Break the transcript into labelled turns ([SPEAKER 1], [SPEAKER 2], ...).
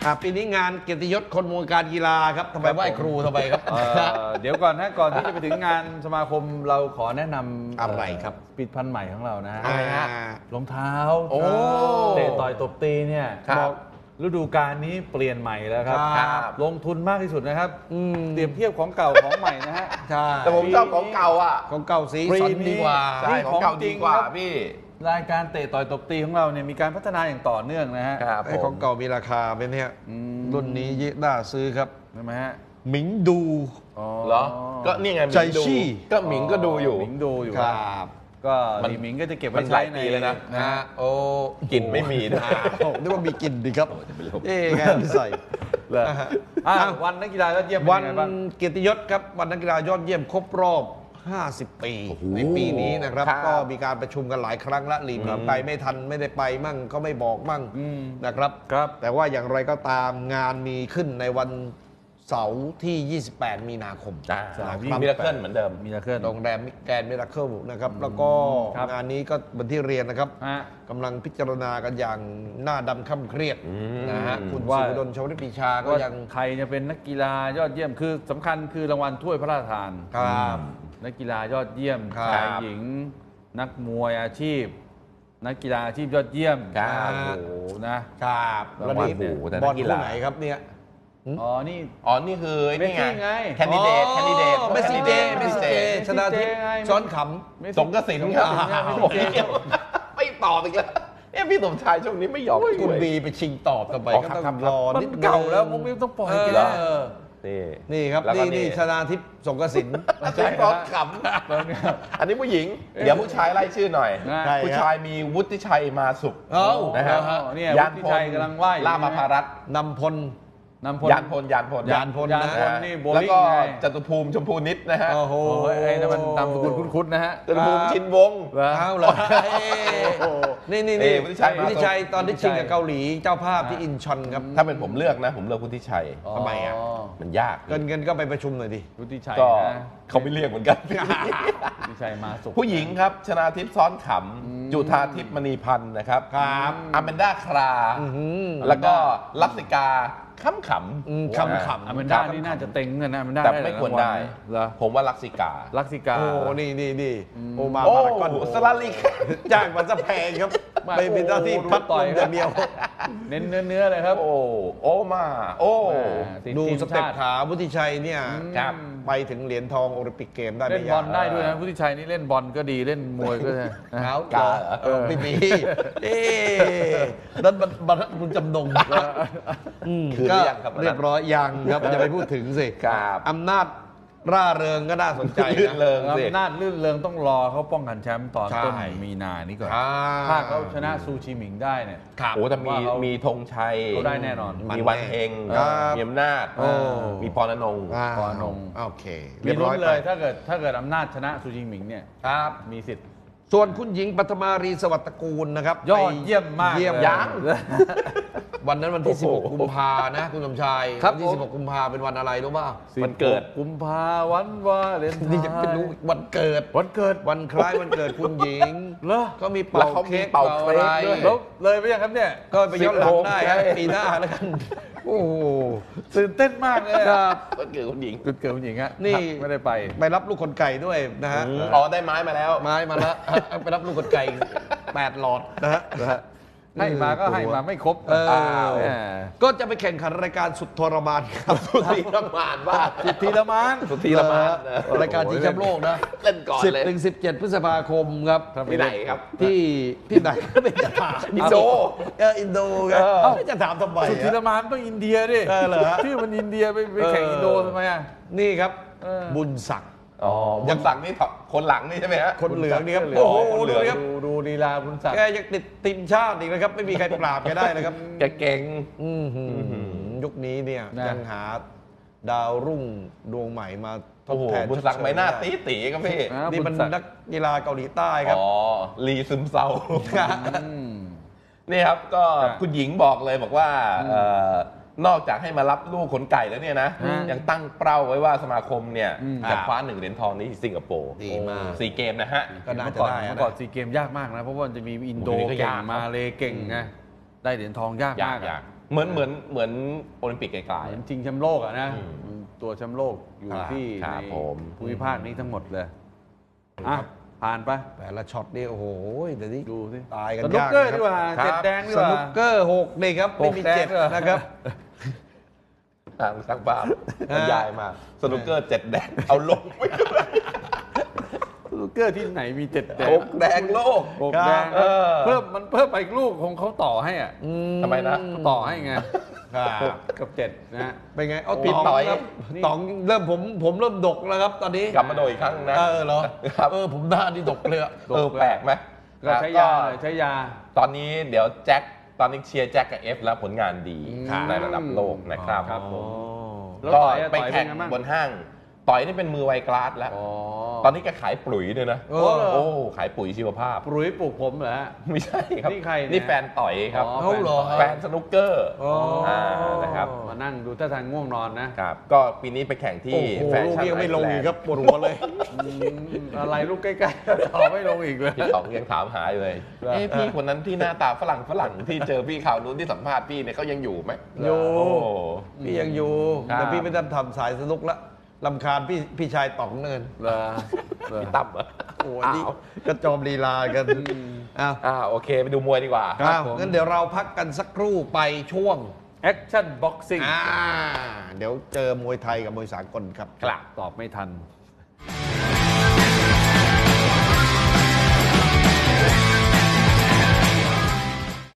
[SPEAKER 1] ปีนี้งานเกียรติยศคนวงการกีฬาครับทำไมไหว้ครูทำไมครับ
[SPEAKER 2] เดี๋ยวก่อนนะก่อนที่จะไปถึงงานสมาคมเราขอแนะนำ
[SPEAKER 1] อะไรครับ
[SPEAKER 2] ผลิตภัณฑ์ใหม่ของเรานะ
[SPEAKER 1] อะไรฮะ
[SPEAKER 2] รองเท้า
[SPEAKER 1] โอ้
[SPEAKER 2] เตะต่อยตบตีเนี่ยบอกฤดูกาลนี้เปลี่ยนใหม่แล้วครับลงทุนมากที่สุดนะครับเปรียบเทียบของเก่าของใหม่นะฮะ
[SPEAKER 1] ใช่
[SPEAKER 3] แต่ผมชอบของเก่าอ่ะ
[SPEAKER 1] ของเก่าสีสันดีกว่า
[SPEAKER 3] ใช่ของเก่าดีกว่าพี่
[SPEAKER 2] รายการเตะต่อยตบตีของเราเนี่ยมีการพัฒนาอย่างต่อเนื่องนะฮะ
[SPEAKER 1] ไอ้ของเก่ามีราคาเป็นเนี่ยรุ่นนี้ยิ่งน่าซื้อครับ
[SPEAKER 2] ใช่ไหมฮะ
[SPEAKER 1] หมิงดู
[SPEAKER 3] เหรอก็นี่ไง
[SPEAKER 1] ใจชี่
[SPEAKER 3] ก็หมิงก็ดูอยู่
[SPEAKER 2] หมิงดูอยู่
[SPEAKER 1] ครับ
[SPEAKER 2] ก็ดีหมิงก็จะเก็บไว้ใช้ใน
[SPEAKER 3] เลยนะ
[SPEAKER 1] โอ้
[SPEAKER 3] กลิ่นไม่มีนะ
[SPEAKER 1] นึกว่ามีกลิ่นดีครับไงใส่
[SPEAKER 2] วันนักกีฬายอดเยี่ยม
[SPEAKER 1] วันเกียรติยศครับวันนักกีฬายอดเยี่ยมครบรอบ50 ปีในปีนี้นะครับก็มีการประชุมกันหลายครั้งละหลีกไปไม่ทันไม่ได้ไปมั่งก็ไม่บอกมั่งนะครับแต่ว่าอย่างไรก็ตามงานมีขึ้นในวันเสาร์ที่28 มีนาคม
[SPEAKER 3] มิราเคิลเหมือนเดิม
[SPEAKER 2] มิราเคิล
[SPEAKER 1] โรงแรมแกรนด์มิราเคิลนะครับแล้วก็งานนี้ก็เหมือนที่เรียนนะครับกำลังพิจารณากันอย่างหน้าดำค่ำเครียดนะฮะคุณศิวดล ชวลิตปรีชาก็ยัง
[SPEAKER 2] ใครจะเป็นนักกีฬายอดเยี่ยมคือสำคัญคือรางวัลถ้วยพระราชทาน
[SPEAKER 1] ครับ
[SPEAKER 2] นักกีฬายอดเยี่ยมชายหญิงนักมวยอาชีพนักกีฬาอาชีพยอดเยี่ยมโอ้โห
[SPEAKER 1] นะครับแล้วนี่บอลคู่ไหนครับเนี่ย
[SPEAKER 3] นี่คือนี่ไงแคนดิเดต
[SPEAKER 1] เมสซี่เจชนะทิพย์ซ้อนข
[SPEAKER 3] ำสงกสินครับไม่ตอบอีกแล้วพี่สมชายช่วงนี้ไม่ยอม
[SPEAKER 1] คุณบีไปชิงตอบทำไมก็ต้องรอนิด
[SPEAKER 2] เก่าแล้วมุกมิ้วต้องปล่อย
[SPEAKER 1] แล้วนี่ครับนี่ชนาทิพย์สงกสิน
[SPEAKER 3] ใช่ซ้อนขำอันนี้ผู้หญิงเดี๋ยวผู้ชายไล่ชื่อหน่อยผู้ชายมีวุฒิชัยมาสุข
[SPEAKER 2] นะครับยานพลกำลังไหว้
[SPEAKER 3] ล่ามาภารัตน์
[SPEAKER 1] นำพล
[SPEAKER 3] ยานพล
[SPEAKER 2] นี่
[SPEAKER 3] แล้วก็จตุภูมิชมพูนิดนะฮะ
[SPEAKER 2] โอ้โหไอ้นั่นมันนามสกุลคุ้นๆนะฮะ
[SPEAKER 3] จตุภูมิชินวงศ์
[SPEAKER 1] เอาเลยนี่วุฒิชัยตอนที่ชิงกับเกาหลีเจ้าภาพที่อินชอนครับ
[SPEAKER 3] ถ้าเป็นผมเลือกนะผมเลือกวุฒิชัย
[SPEAKER 1] ทำไมอ่ะ
[SPEAKER 3] มันยาก
[SPEAKER 1] เงินก็ไปประชุมหน่อยดิ
[SPEAKER 2] วุฒิชัย
[SPEAKER 3] ก็เขาไม่เรียกเหมือนกัน
[SPEAKER 2] วุฒิชัยมาสุข
[SPEAKER 3] ผู้หญิงครับชนาทิพย์ซ้อนขำจุธาทิพย์มณีพันธ์นะครับอแมนด้าคราแล้วก็ลักษิกาขำ
[SPEAKER 2] อแมนด้านี่น่าจะเต็งเงินนะอแมนด้า
[SPEAKER 3] แต่ไม่ควรได้ผมว่าลักษิกา
[SPEAKER 1] โอ้นี่โอมาพารากอน
[SPEAKER 3] สลาลิก
[SPEAKER 1] จ้างมันจะแพงครับไปเป็นหน้าที่พัดต่อยอย่างเดียว
[SPEAKER 2] เน้นเนื้อเลยครับ
[SPEAKER 3] โอ้มา
[SPEAKER 1] ดูสเต็ปขาวุฒิชัยเนี่ยไปถึงเหรียญทองโอลิมปิกเกมได้
[SPEAKER 2] เล่นบอลได้ด้วยนะวุฒิชัยนี่เล่นบอลก็ดีเล่นมวยก็ได้
[SPEAKER 1] เขาไม่มีนั่นมันคุณจำนงก็เรียบร้อยยังครับอย่าไปพูดถึงสิอำนาจร่าเริงก็น่าสนใจนะ
[SPEAKER 2] อำนาจลื่นเริงต้องรอเขาป้องกันแชมป์ตอนต้นมีนานี้ก่อนถ้าเขาชนะซูชิหมิงได้เนี่ย
[SPEAKER 3] โอ้แต่มีธงชัย
[SPEAKER 2] เขาได้แน่นอน
[SPEAKER 3] มีวันเฮงมีอำนาจมีพรณนง
[SPEAKER 1] โอเค
[SPEAKER 2] มีลุ้นเลยถ้าเกิดอำนาจชนะซูชิหมิงเนี่ยมีสิทธิ์
[SPEAKER 1] ส่วนคุณหญิงปัทมารีสวัสดิ์ตระกูลนะครับ
[SPEAKER 2] ยอดเยี่ยมมาก
[SPEAKER 1] ยังวันนั้นวันที่16 กุมภานะคุณสมชายวันที่16 กุมภาเป็นวันอะไรรู้ป่ะ
[SPEAKER 3] วันเกิด
[SPEAKER 2] กุมภาวันวาเลนไทน์
[SPEAKER 1] นี่จะเป็นรู้วันเกิดวันคล้ายวันเกิดคุณหญิงก็มีเป่าเค้กเป่าอะไร
[SPEAKER 2] เลยไปยังครับเนี่ย
[SPEAKER 1] ก็ไปย้อนหลังได้ปีหน้าแล้วกันโอ้โห
[SPEAKER 2] ตื่นเต้นมากเลย
[SPEAKER 1] ครับ
[SPEAKER 3] วันเกิดคุณหญิง
[SPEAKER 1] ฮะนี่
[SPEAKER 2] ไม่ได้ไป
[SPEAKER 1] รับลูกคนไก่ด้วยนะฮะ
[SPEAKER 3] ได้ไม้มาแล้ว
[SPEAKER 1] ไปรับลูกคนไก่8 หลอดนะฮะ
[SPEAKER 2] ให้มาก็ให้มาไม่ครบ
[SPEAKER 1] ก็จะไปแข่งขันรายการสุดทรมานครับ
[SPEAKER 3] สุดทีรมานว่า
[SPEAKER 2] สุดทีรมาน
[SPEAKER 1] รายการชิงแชมป์โลกนะ
[SPEAKER 3] เล่นก่อนเลย
[SPEAKER 1] 10-17 พฤษภาคมครับ
[SPEAKER 3] ที่ไหนครับ
[SPEAKER 1] ที่ไหนก็ไม่จะถามอินโดครับไม่จะถามทำไม
[SPEAKER 2] สุดทีรมานต้องอินเดียดิชื่อมันอินเดียไปแข่งอินโดทำไมอ่ะ
[SPEAKER 1] นี่ครับบุญศักดิ์
[SPEAKER 3] บุญศักดิ์นี่คนหลังนี่ใช่ไหมฮะ
[SPEAKER 1] คนเหลืองนี่ครับโอ้โห
[SPEAKER 2] ดูลีลาบุญศักดิ์
[SPEAKER 1] แกยังติดทีมชาติอีกนะครับไม่มีใครปราบแกได้นะครับ
[SPEAKER 3] แกเก่ง
[SPEAKER 1] ยุคนี้เนี่ยยังหาดาวรุ่งดวงใหม่มาทดแทน
[SPEAKER 3] บุญศักดิ์ไม่น่าตีครับพี่
[SPEAKER 1] นี่มันนักกีฬาเกาหลีใต้ครับ
[SPEAKER 3] ลีซึมเซานี่ครับก็คุณหญิงบอกเลยบอกว่านอกจากให้มารับลูกขนไก่แล้วเนี่ยนะยังตั้งเป้าไว้ว่าสมาคมเนี่ยจะคว้า1 เหรียญทองนี้ที่สิงคโปร์
[SPEAKER 1] ดีมาก
[SPEAKER 3] 4 เกมนะฮะ
[SPEAKER 1] ก็น่าจะได้
[SPEAKER 2] ก่อน4 เกมยากมากนะเพราะว่าจะมีอินโดเก่งมาเลเก่งไงได้เหรียญทองยากมาก
[SPEAKER 3] เหมือนโอลิมปิกไกล
[SPEAKER 2] เหมือนชิงแชมป์โลกอะนะตัวแชมป์โลกอยู่ที่
[SPEAKER 3] ครั
[SPEAKER 2] ใน
[SPEAKER 3] บผม
[SPEAKER 2] ภูมิภาคนี้ทั้งหมดเลยอ่ะผ่านไป
[SPEAKER 1] แต่ละช็อตนี่โอ้โหเดี๋ยวนี้
[SPEAKER 2] ดูสิ
[SPEAKER 1] ตายกัน
[SPEAKER 2] สนุก
[SPEAKER 1] ยาก
[SPEAKER 2] เกอร์
[SPEAKER 1] นะ
[SPEAKER 2] ดีกว่า
[SPEAKER 3] ครับ
[SPEAKER 2] เจ็ดแดงดี
[SPEAKER 1] ส
[SPEAKER 2] กว่า
[SPEAKER 1] นุกเกอร์6นี่ครับไม่มี
[SPEAKER 2] หกแดง
[SPEAKER 1] เจ็ด
[SPEAKER 2] ด้วย
[SPEAKER 1] นะครับ
[SPEAKER 3] ๆทางสร้างภาพบรรยายมาสนุกเกอร์7 แดงเอาลงไม่
[SPEAKER 2] สนุกเกอร์ที่ไหนมีเจ็ดแดง
[SPEAKER 3] 6 แดงโลก
[SPEAKER 2] หกแดง
[SPEAKER 3] เออ
[SPEAKER 2] เพิ่มไปอีกลูกคงเขาต่อให้อ่ะ
[SPEAKER 3] ทำไมนะ
[SPEAKER 2] ต่อให้ไง
[SPEAKER 1] ครับ
[SPEAKER 2] หกกับเจ็ดนะฮะ
[SPEAKER 1] เป็นไงเอา
[SPEAKER 3] พี่
[SPEAKER 1] ต๋อง
[SPEAKER 3] ต่อย
[SPEAKER 1] ครับ
[SPEAKER 2] นี่
[SPEAKER 1] ต๋องเริ่มผมเริ่มดกแล้วครับตอนนี้
[SPEAKER 3] กลับมาโดยอีกครั้งนะ
[SPEAKER 1] เหรอ
[SPEAKER 3] ครับ
[SPEAKER 1] ผมหน้านี่ดกเลยอะ
[SPEAKER 3] แปลกไหม
[SPEAKER 2] ก็ใช้ยาหน่อยใช้ยา
[SPEAKER 3] ตอนนี้เดี๋ยวแจ็คตอนนี้เชียร์แจ็คกับเอฟแล้วผลงานดี
[SPEAKER 2] ครับ
[SPEAKER 3] ในระดับโลกนะครับ
[SPEAKER 2] ครับผม แล้ว
[SPEAKER 3] ก็
[SPEAKER 2] ต่อยอะ
[SPEAKER 3] ไป
[SPEAKER 2] ต่อย
[SPEAKER 3] แข่ง
[SPEAKER 2] เป็นไงบ้าง
[SPEAKER 3] บนห้าง ต่อยนี่เป็นมือไวกลาสแล้ว
[SPEAKER 2] อ๋อ
[SPEAKER 3] ตอนนี้แกขายปุ๋ยด้วยนะ
[SPEAKER 1] เออ
[SPEAKER 3] โอ้ขายปุ๋ยชีวภาพ
[SPEAKER 2] ปลุยปลูกผมเหรอฮะ
[SPEAKER 3] ไม่ใช่ครับ
[SPEAKER 2] นี่ใครเนี่ย
[SPEAKER 3] นี่แฟนต่อยครับ
[SPEAKER 2] อ๋อ
[SPEAKER 1] เขาเหรอ
[SPEAKER 3] แฟนสนุกเกอร์
[SPEAKER 1] อ๋ออ่
[SPEAKER 3] นะครับ
[SPEAKER 2] มานั่งดูท่าทางง่วงนอนนะ
[SPEAKER 3] ครับ ก็ปีนี้ไปแข่งที่
[SPEAKER 1] โอ้โห
[SPEAKER 3] แฟ
[SPEAKER 1] ลูก
[SPEAKER 3] ชั่น
[SPEAKER 1] นี้ยังไม่ลง
[SPEAKER 3] ไอ
[SPEAKER 1] อีก
[SPEAKER 3] แลนด์
[SPEAKER 1] ครับปวดหัวเลย
[SPEAKER 2] อะไรลูกใกล้ๆต่อไม่ลงอีกเลย
[SPEAKER 3] พี่ต๋องยังถามหาอยู่เลย เอ๊ะพี่คนนั้นที่หน้าตาฝรั่งที่เจอพี่ข่าวนู้นที่สัมภาษณ์พี่เนี่ยเขายังอยู่ไหม
[SPEAKER 1] อยู่
[SPEAKER 3] โอ้
[SPEAKER 1] พี่ยังอยู่
[SPEAKER 3] ครับ
[SPEAKER 1] แต่พี่ไม่ต้องทำสายสนุกละลำคาญพี่ชายต๋องเนิน
[SPEAKER 2] เหรอเหรอ
[SPEAKER 3] พี่ตั้มเหรอ
[SPEAKER 1] โอ้ยนี่กระจอมลีลากันอ้าว
[SPEAKER 3] โอเคไปดูมวยดีกว่า
[SPEAKER 1] อ้าว
[SPEAKER 2] ผม
[SPEAKER 1] งั้นเดี๋ยวเราพักกันสักครู่ไปช่วง
[SPEAKER 2] แอคชั่นบ็อกซิ่ง
[SPEAKER 1] เดี๋ยวเจอมวยไทยกับมวยสากลครับ
[SPEAKER 3] ครับ
[SPEAKER 2] ตอบไม่ทัน